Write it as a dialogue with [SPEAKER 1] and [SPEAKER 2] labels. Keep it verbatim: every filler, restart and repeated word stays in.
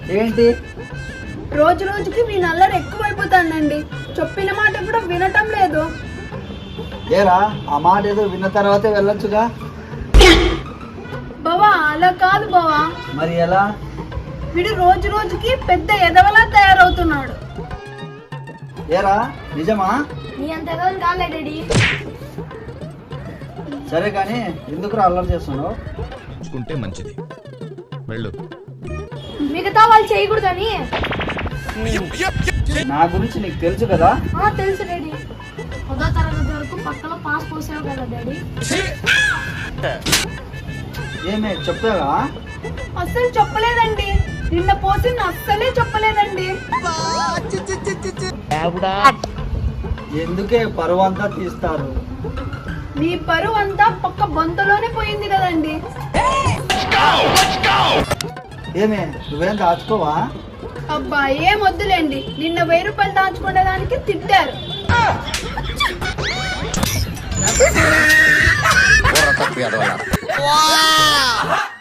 [SPEAKER 1] ఏంటి?
[SPEAKER 2] రోజు రోజుకి మీ నల్లరు ఎక్కువైపోతానండి. చెప్పిన మాట కూడా వినటం లేదు.
[SPEAKER 1] ఏరా ఆ మాట ఏదో విన్న తర్వాతే వెళ్ళొచ్చుగా.
[SPEAKER 2] బావా అలా కాదు బావా.
[SPEAKER 1] మరి ఎలా?
[SPEAKER 2] వీడు రోజు రోజుకి పెద్ద ఎదవలా తయారవుతున్నాడు.
[SPEAKER 1] ఏరా నిజమా?
[SPEAKER 2] నీ అంత ఎదవలు కాలే డాడీ.
[SPEAKER 1] సరే కానీ ఎందుకు అల్లరి చేస్తున్నావు?
[SPEAKER 3] చూసుకుంటే మంచిది, వెళ్ళు.
[SPEAKER 2] మిగతా వాళ్ళు చేయకూడదని.
[SPEAKER 1] నా గురించి నీకు తెలుసు కదా.
[SPEAKER 2] తెలుసు డాడీ. పదో తరగతి వరకు పక్కన పాస్ పోసావు కదా డాడీ.
[SPEAKER 1] ఏమే చెప్పావా?
[SPEAKER 2] అస్సలు చెప్పలేదండి. నిన్న పోసి అస్సలే చెప్పలేదండి.
[SPEAKER 1] ఎందుకే పరువు అంతా తీస్తారు?
[SPEAKER 2] మీ పరువు అంతా పక్క బొంతలోనే పోయింది కదండి.
[SPEAKER 1] ఏమే నువ్వేం దాచుకోవా?
[SPEAKER 2] అబ్బా ఏం వద్దులేండి. నిన్న వెయ్యి రూపాయలు దాచుకునే దానికి తిట్టారు.
[SPEAKER 3] తప్పి